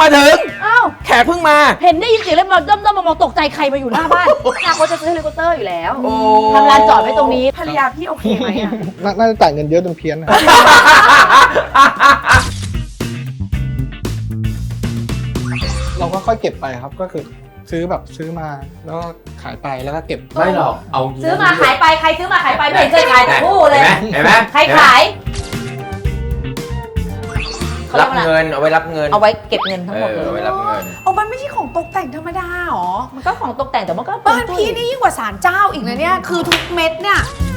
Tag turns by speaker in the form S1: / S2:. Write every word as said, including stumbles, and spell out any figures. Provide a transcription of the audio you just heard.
S1: มาถึง
S2: อ้าว
S1: แขกเพิ่งมา
S2: เห็นได้ยินเสียงแล้วมาด้อมๆมามองตกใจใครมาอยู่หน้าบ้านนาเขาจะซื้อเฮลิคอปเตอร์อยู่แล้ว
S1: โอ้
S2: ทำลานจอดไว้ตรงนี้
S3: ภรรยาพี่โอเคไหมอ่ะ
S4: น่าจะจ่ายเงินเยอะจนเพี้ยนนะ เราก็ค่อยเก็บไปครับก็คือซื้อแบบซื้อมาแล้วก็ขายไปแล้วก็เก็บ
S1: ไม่หรอกเอา
S2: ซื้อมาขายไปใครซื้อมาขายไปไม่เห็นเคยขายทั้งคู่เลย
S1: เห็นไหม
S2: ใครขาย
S1: รับเงินเอาไว้รับเงิน
S2: เอาไว้เก็บเงินทั้ง
S1: เอ
S2: หมด
S1: อ
S2: เลย
S1: เอาไว้รับเงิน
S3: เอามันไม่ใช่ของตกแต่งธรรมดาหรอ
S2: มันก็ของตกแต่งแต่มันก็
S3: บ้านพี่นี่ยิ่งกว่าศาลเจ้าอีกนะเนี่ย คือทุกเม็ดเนี่ย